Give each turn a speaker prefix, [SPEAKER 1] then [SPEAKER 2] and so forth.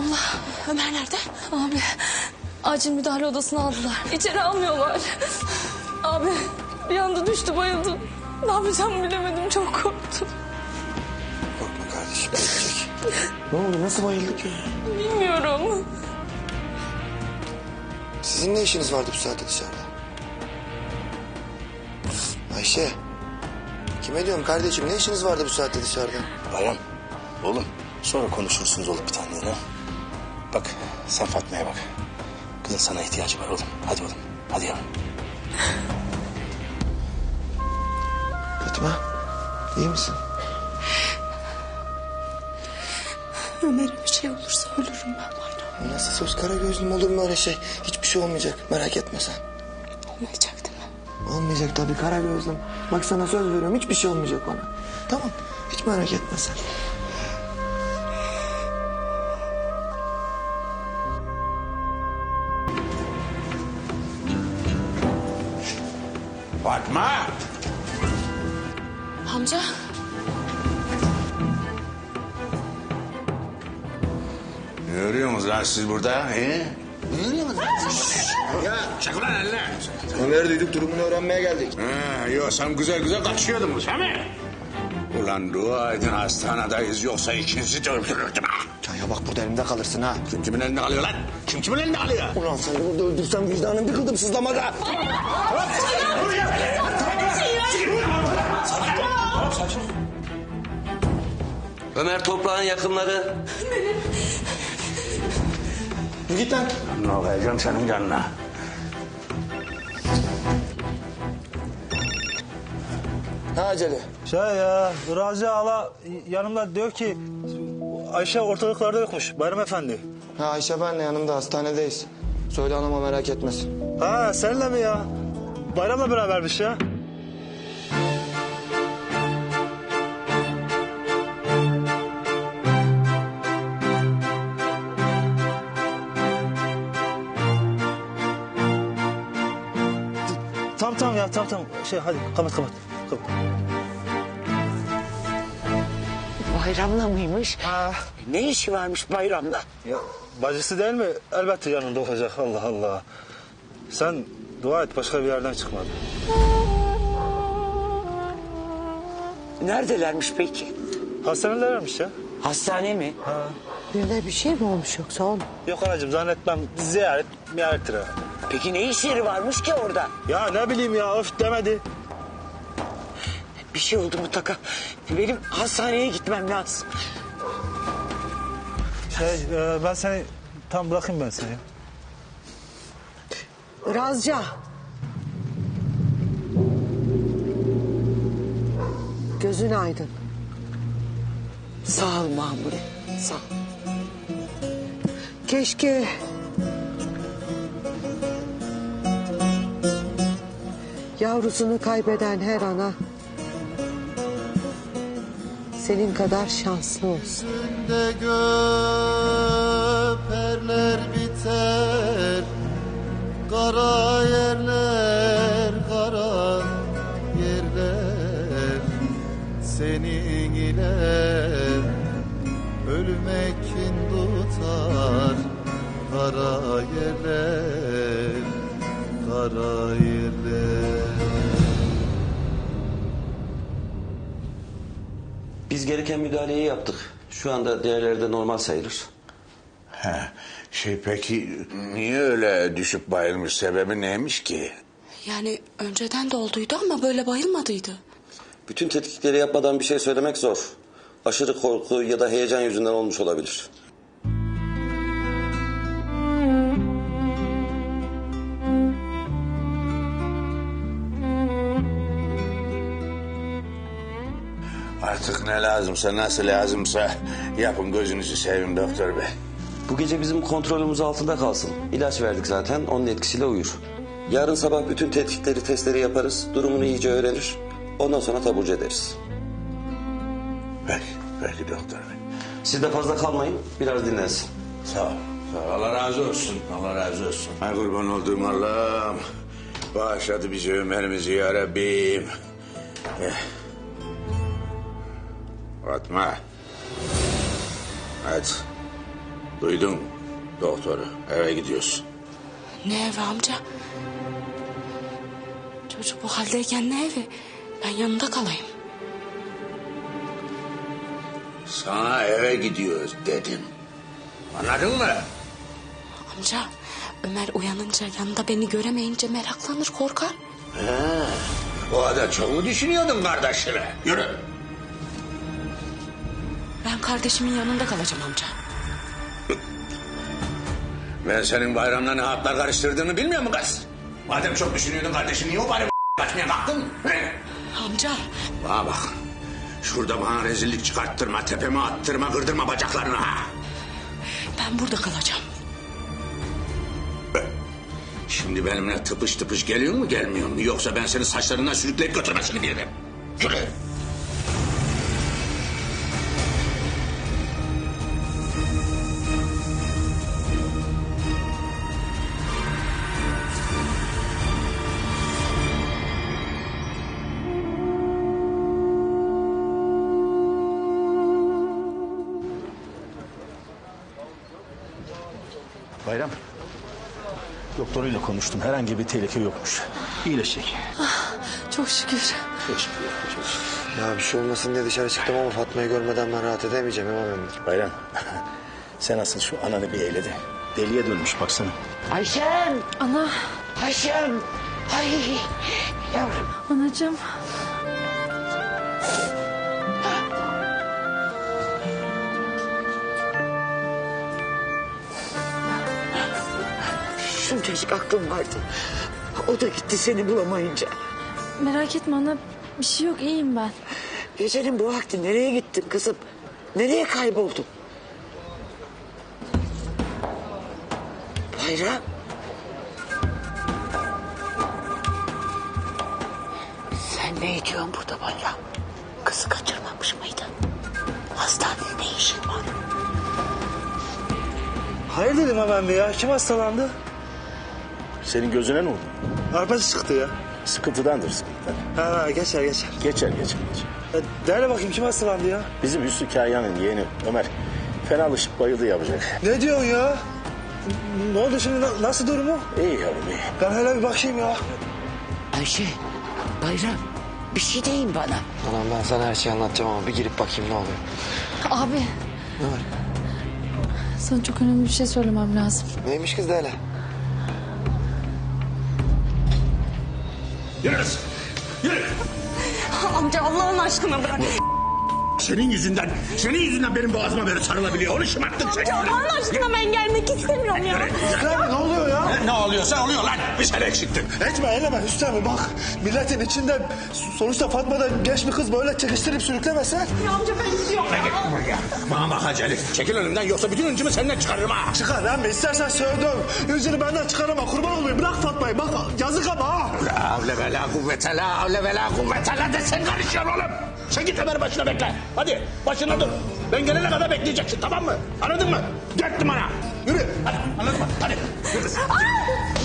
[SPEAKER 1] Allah. Ömer nerede?
[SPEAKER 2] Abi acil müdahale odasına aldılar. İçeri almıyorlar. Abi bir anda düştü bayıldım. Ne yapacağımı bilemedim, çok korktum.
[SPEAKER 3] Korkma kardeşim, geçecek. Ne oldu, nasıl bayıldı ki?
[SPEAKER 2] Bilmiyorum.
[SPEAKER 3] Sizin ne işiniz vardı bu saatte dışarıda? Ayşe. Kime diyorum kardeşim, ne işiniz vardı bu saatte dışarıda?
[SPEAKER 4] Bayram, oğlum sonra konuşursunuz olup bir tane ha. Bak sen Fatma'ya bak. Kızın sana ihtiyacı var oğlum. Hadi oğlum, hadi yavrum.
[SPEAKER 3] Fatma, iyi misin?
[SPEAKER 1] Ömer'e bir şey olursa ölürüm ben Bayram.
[SPEAKER 3] Nasıl söz kara gözlüm, olur mu öyle şey? Hiçbir şey olmayacak, merak etme sen.
[SPEAKER 1] Olmayacak değil mi?
[SPEAKER 3] Olmayacak tabii kara gözlüm. Bak sana söz veriyorum, hiçbir şey olmayacak bana. Tamam, hiç merak etme sen.
[SPEAKER 5] Fatma!
[SPEAKER 1] Amca.
[SPEAKER 5] Ne örüyorsunuz lan siz burada? He? Ne örüyorsunuz? Ya çek ulan eline.
[SPEAKER 3] Ömer'i duyduk, durumunu öğrenmeye geldik.
[SPEAKER 5] Ha, yok sen güzel güzel kaçıyordunuz değil mi? Ulan dua edin hastanedeyiz yoksa ikinizi de öldürürdüm ha.
[SPEAKER 3] Ya bak burada elimde kalırsın ha.
[SPEAKER 5] Kim kimin elinde kalıyor lan? Kim kimin elinde kalıyor?
[SPEAKER 3] Ulan seni burada öldürsem vicdanım bir kıldım sızlamada.
[SPEAKER 6] Ömer Toprağ'ın yakınları.
[SPEAKER 3] Git lan.
[SPEAKER 5] Ne olacağım senin canına?
[SPEAKER 3] Ne acele?
[SPEAKER 7] Ya Razi Ala yanımda diyor ki Ayşe ortalıklarda yokmuş Bayram Efendi.
[SPEAKER 3] Ha Ayşe benle yanımda, hastanedeyiz. Söyle anama merak etmesin.
[SPEAKER 7] Ha seninle mi ya? Bayram'la berabermiş ya. Tamam ya tamam. Hadi kapat.
[SPEAKER 8] Bayramla mıymış?
[SPEAKER 7] Ha.
[SPEAKER 8] Ne işi varmış bayramla?
[SPEAKER 7] Ya bacısı değil mi? Elbette yanında olacak. Allah Allah. Sen dua et başka bir yerden çıkmadı.
[SPEAKER 8] Neredelermiş peki?
[SPEAKER 7] Hastanelermiş ya.
[SPEAKER 8] Hastane mi?
[SPEAKER 7] Ha.
[SPEAKER 8] Birine bir şey mi olmuş yoksa oğlum?
[SPEAKER 7] Yok anacığım zannetmem. Ziyarettir ha.
[SPEAKER 8] Peki ne işleri varmış ki orada?
[SPEAKER 7] Ya ne bileyim ya öf demedi.
[SPEAKER 8] Bir şey oldu mutlaka. Benim hastaneye gitmem lazım.
[SPEAKER 7] Ben seni tam bırakayım ben seni.
[SPEAKER 8] Razca. Gözün aydın. Sağ ol Mahmure. Sağ ol. Keşke... yavrusunu kaybeden her ana... senin kadar şanslı olsun.
[SPEAKER 9] De göperler biter, kara yerler, kara yerler. Senin ile ölmek kin tutar, kara yerler, kara yerler.
[SPEAKER 6] Biz gereken müdahaleyi yaptık. Şu anda değerlerde normal sayılır.
[SPEAKER 5] Peki niye öyle düşüp bayılmış, sebebi neymiş ki?
[SPEAKER 1] Yani önceden de olduydu ama böyle bayılmadıydı.
[SPEAKER 6] Bütün tetkikleri yapmadan bir şey söylemek zor. Aşırı korku ya da heyecan yüzünden olmuş olabilir.
[SPEAKER 5] Artık ne lazımsa, nasıl lazımsa yapın, gözünüzü seveyim doktor bey.
[SPEAKER 6] Bu gece bizim kontrolümüz altında kalsın. İlaç verdik zaten, onun etkisiyle uyur. Yarın sabah bütün tetkikleri, testleri yaparız. Durumunu iyice öğrenir. Ondan sonra taburcu ederiz.
[SPEAKER 5] Peki doktor bey.
[SPEAKER 6] Siz de fazla kalmayın, biraz dinlensin.
[SPEAKER 5] Sağ ol. Allah razı olsun. Allah razı olsun. Ay kurban olduğum Allah'ım. Bağışladı bizi, Ömer'imizi ya Rabbim. Fatma. Hadi. Duydun doktoru. Eve gidiyorsun.
[SPEAKER 1] Ne evi amca? Çocuk bu haldeyken ne evi? Ben yanında kalayım.
[SPEAKER 5] Sana eve gidiyoruz dedim. Anladın mı?
[SPEAKER 1] Amca Ömer uyanınca yanında beni göremeyince meraklanır korkar.
[SPEAKER 5] O kadar çok mu düşünüyordun kardeşine? Yürü.
[SPEAKER 1] Ben kardeşimin yanında kalacağım amca.
[SPEAKER 5] Ben senin bayramla ne hatlar karıştırdığını bilmiyor musun kız? Madem çok düşünüyordun kardeşin niye o bari kaçmaya kalktın? He?
[SPEAKER 1] Amca
[SPEAKER 5] Bana bak. Şurada bana rezillik çıkarttırma, tepeme attırma, kırdırma bacaklarını ha.
[SPEAKER 1] ben burada kalacağım.
[SPEAKER 5] Şimdi benimle tıpış tıpış geliyor mu gelmiyor mu? Yoksa ben senin saçlarından sürükleyip götürmesini bilirim. Yürü.
[SPEAKER 4] Bayram. Doktoruyla konuştum. Herhangi bir tehlike yokmuş. İyileşecek.
[SPEAKER 2] Çok şükür.
[SPEAKER 4] Çok şükür. Çok şükür.
[SPEAKER 3] Ya bir şey olmasın diye dışarı çıktım ama Fatma'yı görmeden ben rahat edemeyeceğim İmam Emir.
[SPEAKER 4] Bayram. Sen asıl şu ananı bir eyle de. Deliye dönmüş baksana.
[SPEAKER 8] Ayşem.
[SPEAKER 2] Ana,
[SPEAKER 8] Ayşem. Ay yavrum.
[SPEAKER 2] anacığım.
[SPEAKER 8] Şuncacık aklım vardı. O da gitti seni bulamayınca.
[SPEAKER 2] Merak etme ana, bir şey yok, iyiyim ben.
[SPEAKER 8] Gecenin bu vakti nereye gittin kızım? Nereye kayboldun? Bayram. Sen ne ediyorsun burada Bayram? Kızı kaçırmamış mıydın? Hastanede ne işin var?
[SPEAKER 7] Hayır dedim hemen bir ya. Kim hastalandı?
[SPEAKER 4] Senin gözüne ne oldu?
[SPEAKER 7] Arpacı çıktı ya.
[SPEAKER 4] Sıkıntıdandır sıkıntıdan.
[SPEAKER 7] Ha geçer.
[SPEAKER 4] Geçer.
[SPEAKER 7] Derle bakayım kim hastalandı ya?
[SPEAKER 4] Bizim Hüsnü Kahya'nın yeğeni Ömer fenalaşıp bayıldı yapacak.
[SPEAKER 7] Ne diyorsun ya? Ne oldu şimdi? Nasıl durumu?
[SPEAKER 4] İyi yavrum iyi.
[SPEAKER 7] Ben hele bir bakayım ya.
[SPEAKER 8] Ayşe, Bayram bir şey deyin bana.
[SPEAKER 3] Anam ben sana her şeyi anlatacağım ama bir girip bakayım ne oluyor.
[SPEAKER 2] Abi,
[SPEAKER 3] Ne var?
[SPEAKER 2] sana çok önemli bir şey söylemem lazım.
[SPEAKER 3] Neymiş kız da hele?
[SPEAKER 5] Yürü kız. Yürü.
[SPEAKER 1] Amca Allah'ın aşkına bırak.
[SPEAKER 5] Senin yüzünden benim boğazıma böyle sarılabiliyor. Onu şımarttın sen.
[SPEAKER 1] Allah'ın aşkına ben gelmek istemiyorum ya.
[SPEAKER 7] Ne oluyor ya?
[SPEAKER 5] Ne oluyorsa oluyor lan. Bir sen eksiktin.
[SPEAKER 7] Etme eyleme Hüsnü abi bak. Milletin içinde sonuçta Fatma da genç bir kız böyle çekiştirip sürüklemese.
[SPEAKER 1] Ya amca ben istiyorum.
[SPEAKER 5] Bana bak Hacı Ali. Çekil önümden yoksa bütün öncümü senden çıkarırım ha.
[SPEAKER 7] Çıkar lan be istersen sövdüm. Yüzünü benden çıkarama kurban olayım. Bırak Fatma'yı bak yazık ama ha.
[SPEAKER 5] La havle ve la kuvvete la havle ve la kuvvete la de sen karışıyorsun oğlum. Sen git Ömer başına bekle. Hadi başına dur. Ben gelene kadar bekleyeceksin tamam mı? Anladın mı? 4 numara. Yürü. Hadi anladın mı? Hadi. Yürü.